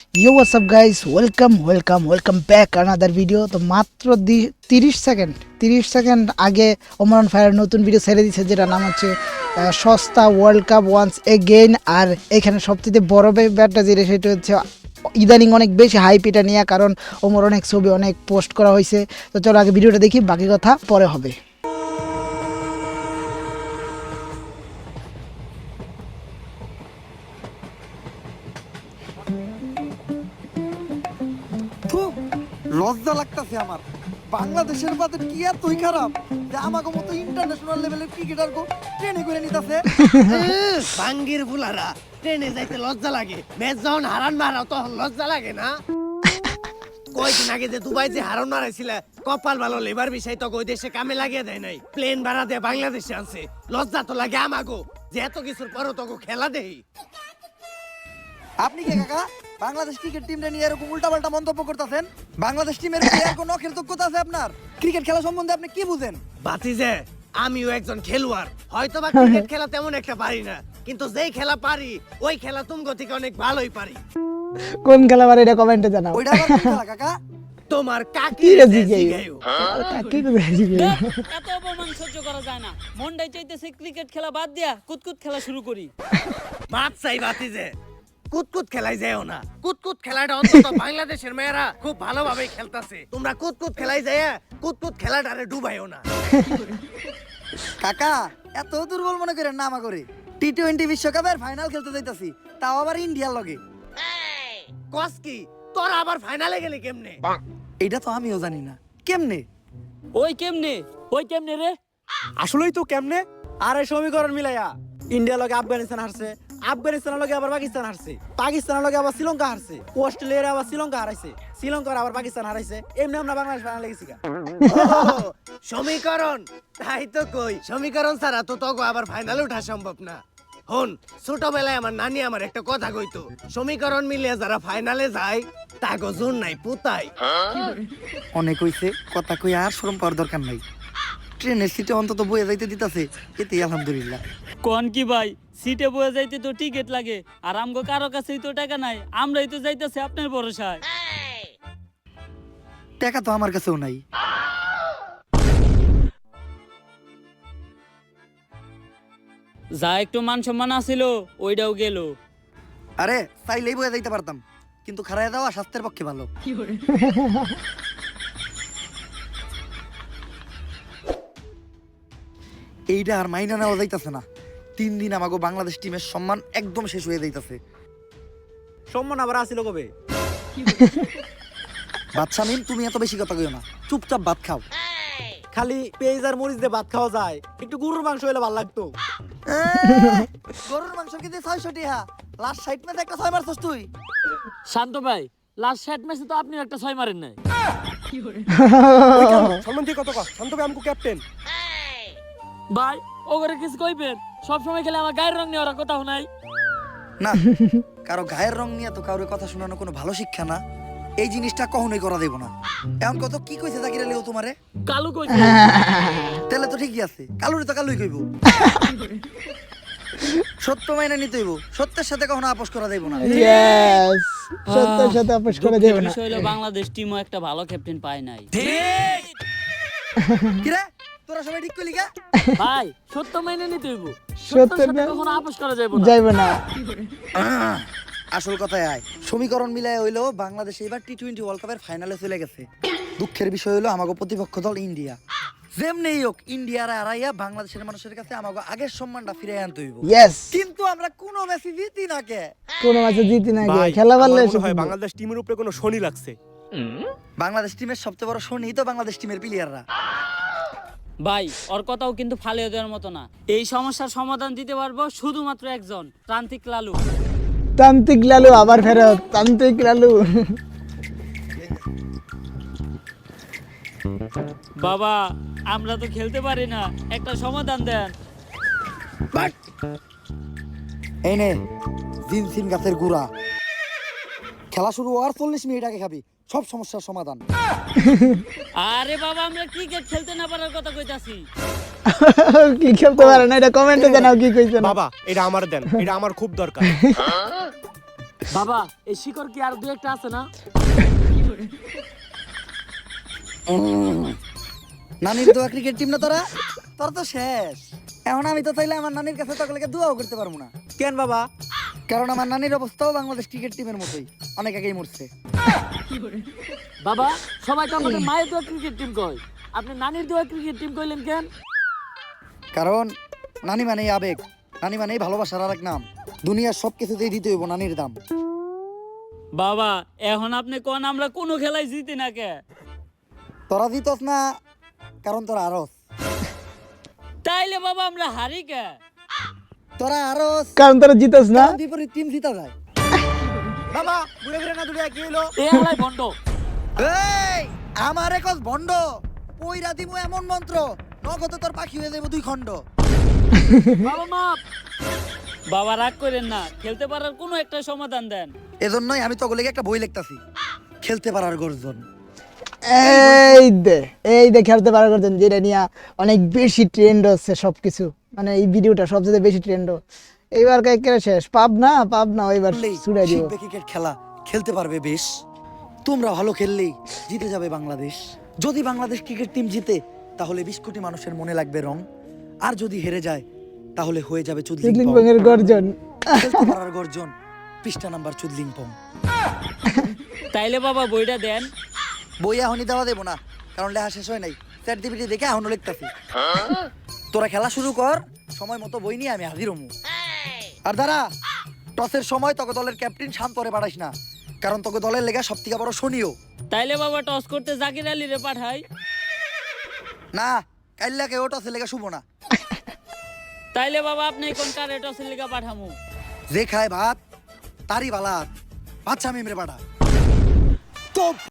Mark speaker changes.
Speaker 1: You what's up guys, welcome back another video. তো মাত্র 30 second আগে ওমরান ফায়ার নতুন ভিডিও ছেড়ে দিচ্ছে, যেটা নাম হচ্ছে সস্তা ওয়ার্ল্ড কাপ ওয়ান্স এগেইন। আর এখানে সবচেয়ে বড় ব্যাপারটা যেটা, সেটা হচ্ছে ইদানিং অনেক বেশি হাইপ এটা নিয়ে, কারণ ওমর অনেক ছবি অনেক পোস্ট করা হয়েছে। তো চলো আগে ভিডিওটা দেখি, বাকি কথা পরে হবে।
Speaker 2: লজ্জা লাগতাছে আমার। বাংলাদেশের বাজেট কি এতই খারাপ যে আমাকে মতো ইন্টারন্যাশনাল লেভেলের ক্রিকেটার গো ট্রেনে করে নিতাছে।
Speaker 3: বাঙ্গির বুলারা ট্রেনে যাইতে লজ্জা লাগে, ম্যাচ যখন হারান মারাও তখন লজ্জা লাগে না? কয়দিন আগে যে দুবাই যে হারান মারাইছিল, কপাল ভালো লেবার বিষয় তো ওই দেশে কামে লাগিয়ে দেয় নাই, প্লেন ভাড়া দিয়ে বাংলাদেশে আনছে। লজ্জা তো লাগে আমাগো যে এত কিছুর পরও তো খেলা দেই।
Speaker 2: আপনি কে কাকা বাংলাদেশ ক্রিকেট টিমটা নিয়ে এরকম উল্টাপাল্টা মন্তব্য করতেছেন? বাংলাদেশ টিমের প্লেয়ার কোন কৃতজ্ঞতা আছে আপনার? ক্রিকেট খেলা সম্বন্ধে আপনি কি বুঝেন?
Speaker 3: বাতিজে আমিও একজন খেলোয়াড়, হয়তো বা ক্রিকেট খেলা তেমন একটা পারি না, কিন্তু যেই খেলা পারি ওই খেলা তুমগো থেকে অনেক ভালোই পারি।
Speaker 1: কোন খেলা পারে এটা কমেন্টে জানাও।
Speaker 2: ওইটা আবার কোন খেলা কাকা?
Speaker 3: তোমার কাকি
Speaker 1: কি রে
Speaker 3: জিগাইও।
Speaker 4: এত অপমান সহ্য করা যায় না। মনটাই চাইতেছে ক্রিকেট খেলা বাদ দিয়া কুতকুত খেলা শুরু করি।
Speaker 3: বাদ চাই বাতিজে, কুতকুত খেলাই যাও না। কুতকুত খেলাটা অন্তত বাংলাদেশের মেয়েরা খুব ভালোভাবে খেলতাছে। তোমরা কুতকুত খেলাই যায় কুতকুত খেলাটারে ডুবাইও না।
Speaker 2: কাকা এত দুর্বল মনে করেন না আমা করে। টি-20 বিশ্বকাপের ফাইনাল খেলতে যাইতাছি, তাও আবার ইন্ডিয়ার লগে।
Speaker 3: কস কি তোরা আবার ফাইনালে গেলি কেমনে?
Speaker 2: এটা তো আমিও জানি না কেমনে।
Speaker 4: ওই কেমনে রে?
Speaker 5: আসলেই তো কেমনে? আরে সমীকরণ মিলাইয়া ইন্ডিয়া লগে আফগানিস্তান হারছে, আফগানিস্তানের লগে আবার পাকিস্তান হারছে, পাকিস্তানের লগে আবার শ্রীলঙ্কা হারছে, অস্ট্রেলিয়ার আবার শ্রীলঙ্কা হারাইছে, শ্রীলঙ্কার আবার পাকিস্তান হারাইছে। এমনি আমরা বাংলাদেশ ফাইনালে গেছি গা।
Speaker 3: সমীকরণ তাই তো কই, সমীকরণ ছাড়া তো তগো আবার ফাইনালে ওঠা সম্ভব না। হন, ছোটবেলায় আমার নানি আমার একটা কথা কইতো, সমীকরণ মিলিয়ে যারা ফাইনালে যায় তাগো জোর নাই পুতাই।
Speaker 2: অনেক হইছে, কথা কই আর শরম পাওয়ার দরকার নাই। ট্রেনের সিটে অন্তত বয়ে যাইতে দিতাছে, এতেই আলহামদুলিল্লাহ।
Speaker 4: কোন কি ভাই, সিটে বয়ে যাইতে তো টিকিট লাগে, আর আমগো কারো কাছেই তো টাকা নাই, আমরাই তো যাইতেছি আপনার ভরসায়।
Speaker 2: টাকা তো আমার কাছেও নাই।
Speaker 4: যা একটু মান সম্মান আছিল ওইটাও গেল।
Speaker 2: আরে চাইলেই বয়ে যাইতে পারতাম, কিন্তু খারায় দেওয়া স্বাস্থ্যের পক্ষে ভালো। এইটা আর মাইনা নেওয়া যাইতাছে না। 3 দিন আমাকে বাংলাদেশ টিমের সম্মান একদম শেষ হয়ে যাইতাছে।
Speaker 5: সম্মান আবার আসিল কবে?
Speaker 2: বাচ্চা মিম, তুমি এত বেশি কথা কইও না, চুপচাপ ভাত খাও।
Speaker 5: খালি পেঁয়াজ আর মরিচ দিয়ে ভাত খাওয়া যায়, একটু গরুর মাংস হলে ভালো লাগতো।
Speaker 2: গরুর মাংস কিনতে 600 টাকা, লাস্ট 60 ম্যাচে একটা 6 মারছস তুই।
Speaker 4: শান্ত ভাই, লাস্ট 60 ম্যাচে তো আপনি একটা 6 মারেন নাই।
Speaker 5: সম্মান দিয়ে কত কথা, শান্ত ভাই আমকো ক্যাপ্টেন।
Speaker 4: ভাই ওগরে কিছু কইবেন, সব সময় খেলে আমার গায়ের রং নিয়ে ওরা কথা নাই।
Speaker 2: না, কারো গায়ের রং নিয়ে তো কারোর কথা শোনানো কোনো ভালো শিক্ষা না। এই জিনিসটা কখনোই করা দেব না। এখন কত কি কইছে জাকির আলী ও তোমারে?
Speaker 4: কালু কইছে।
Speaker 2: তাহলে তো ঠিকই আছে, কালুরি তো কালুই কইব। সত্য মাইনা নিতে হইব, সত্যের সাথে কখনো আপোষ করা দেব না।
Speaker 1: ইয়েস, সত্যের সাথে আপোষ করে দেব না।
Speaker 4: বিষয় হলো বাংলাদেশ টিমও একটা ভালো ক্যাপ্টেন পায় নাই।
Speaker 2: কি রে, তোরা সবাই ঠিক কইলি গা?
Speaker 4: ভাই সত্য মেনে নিতে হইব,
Speaker 1: সত্য
Speaker 4: সত্যের সাথে
Speaker 1: না-
Speaker 4: কখনো আপোষ করা যাবে না।
Speaker 1: যাইবে না।
Speaker 2: আসল কথায় আয়, সমীকরণ মিলায় হইলো বাংলাদেশ এবার টি-20 ওয়ার্ল্ড কাপের ফাইনালে চলে গেছে। দুঃখের বিষয় হলো আমাগো প্রতিপক্ষ দল ইন্ডিয়া। যেমনি হোক ইন্ডিয়ার হারাইয়া বাংলাদেশের মানুষের কাছে আমাগো আগের সম্মানটা ফিরে আনতে হইব।
Speaker 1: ইয়েস,
Speaker 2: কিন্তু আমরা কোনো ম্যাচই জিতি না কে।
Speaker 1: কোন ম্যাচে জিতি না গিয়ে খেলা পারলে
Speaker 5: বাংলাদেশ টিমের উপরে কোনো শনি লাগছে।
Speaker 2: বাংলাদেশ টিমের সবচেয়ে বড় শনি তো বাংলাদেশ টিমের প্লেয়াররা।
Speaker 4: ভাই ওর কথাও কিন্তু ফালিয়ে দেওয়ার মতো না। এই সমস্যার সমাধান দিতে পারবো শুধুমাত্র একজন, প্রান্তিক লালু।
Speaker 1: তান্ত্রিক লালু আবার ফেরত, তান্ত্রিক লালু।
Speaker 4: বাবা আমরা তো খেলতে পারি না, একটা সমাধান দেন।
Speaker 2: এই নে জিনসিন গাছের গুড়া, খেলা শুরু হওয়ার 40 মিনিট আগে খাবি, সব সমস্যার সমাধান।
Speaker 4: আরে বাবা আমরা ক্রিকেট খেলতে না পারার কথা কইতাছি।
Speaker 1: কি খেলতে পারে না এটা কমেন্টে জানাও কি কইছেন।
Speaker 5: বাবা এটা আমার দেন, এটা আমার খুব দরকার।
Speaker 4: বাবা এই শিকড় কি আর দু একটা আছে না?
Speaker 2: নানির দোয়া ক্রিকেট টিম না তোরা, তোর তো শেষ। এখন আমি তো চাইলে আমার নানির কাছে তোকে দোয়াও করতে পারবো না,
Speaker 5: কেন বাবা?
Speaker 2: কারণ আমার নানির অবস্থাও বাংলাদেশ ক্রিকেট টিমের মতোই, অনেক আগেই মরছে।
Speaker 4: বাবা সবাই তো আমাকে মায়ের দোয়া ক্রিকেট টিম কয়, আপনি নানির দোয়া ক্রিকেট টিম কইলেন কেন?
Speaker 2: কারণ নানি মানেই আবেগ, নানি মানেই ভালোবাসার আর এক নাম। দুনিয়ার সব কিছুতেই দিতে হইব নানির দাম।
Speaker 4: বাবা এখন আপনি কোন আমরা কোনো খেলায় জিতি না কে?
Speaker 2: তোরা দিতস না কারণ তোরা আরস,
Speaker 4: তাইলে বাবা আমরা হারি কে?
Speaker 2: তোরা আরস
Speaker 1: কারণ তারা জিতাস না।
Speaker 2: কারণ বিপরীত টিম জিতা যায়।
Speaker 5: বাবা ঘুরে ফিরে না দুটো কি হলো?
Speaker 4: এই হালাই বন্ধ।
Speaker 2: এই আমার একজ ভণ্ড, পইরা দিমু এমন মন্ত্র, নগদে তোর পাখি হয়ে যাবো 2 খণ্ড।
Speaker 4: বাবা মাপ। বাবা রাগ করেন না, খেলতে পারার কোনো একটা সমাধান দেন।
Speaker 2: এজন্যই আমি তোকে লেগে একটা বই লিখতাছি, খেলতে পারার গর্জন।
Speaker 1: এই দে খেলতে পারা করতেন, যেটা নিয়ে অনেক বেশি ট্রেন্ড হচ্ছে সবকিছু, মানে এই ভিডিওটা সবচেয়ে বেশি ট্রেন্ড। এইবার কে শেষ পাবনা ওইবার
Speaker 2: খেললেই
Speaker 1: ছুড়ে দিব।
Speaker 2: শিখবে ক্রিকেট খেলা, খেলতে পারবে বেশ। তোমরা ভালো খেললেই জিতে যাবে বাংলাদেশ। যদি বাংলাদেশ ক্রিকেট টিম জিতে তাহলে 20 কোটি মানুষের মনে লাগবে রং, আর যদি হেরে যায় তাহলে হয়ে যাবে চুদলিং পং।
Speaker 1: চুদলিংপং এর গর্জন।
Speaker 2: খেলতে পারার গর্জন, পৃষ্ঠা নাম্বার চুদলিং পং।
Speaker 4: তাইলে বাবা বইটা দেন।
Speaker 2: বই এখনই দেওয়া দেবো না, কারণ লেখা শেষ হয় নাই। চ্যাট জিপিটি দেখে এখনো লিখতাছি। তোরা খেলা শুরু কর, সময় মতো বই নিয়ে আমি হাজির হমু। আর দাঁড়া, টসের সময় তোকে দলের ক্যাপ্টেন শান্তরে পাঠাইস না, কারণ তোকে দলের লেগা সব থেকে বড় শনিও।
Speaker 4: তাইলে বাবা টস করতে জাকির আলী রে পাঠাই।
Speaker 2: না, কাইল্লাকে ও টসের লেগা শুভ না।
Speaker 4: তাইলে বাবা আপনি কোন কারে টসের লিগা পাঠামু?
Speaker 2: যে খায় ভাত তারই বালাত, বাচ্চা মেমরে পাঠা। তো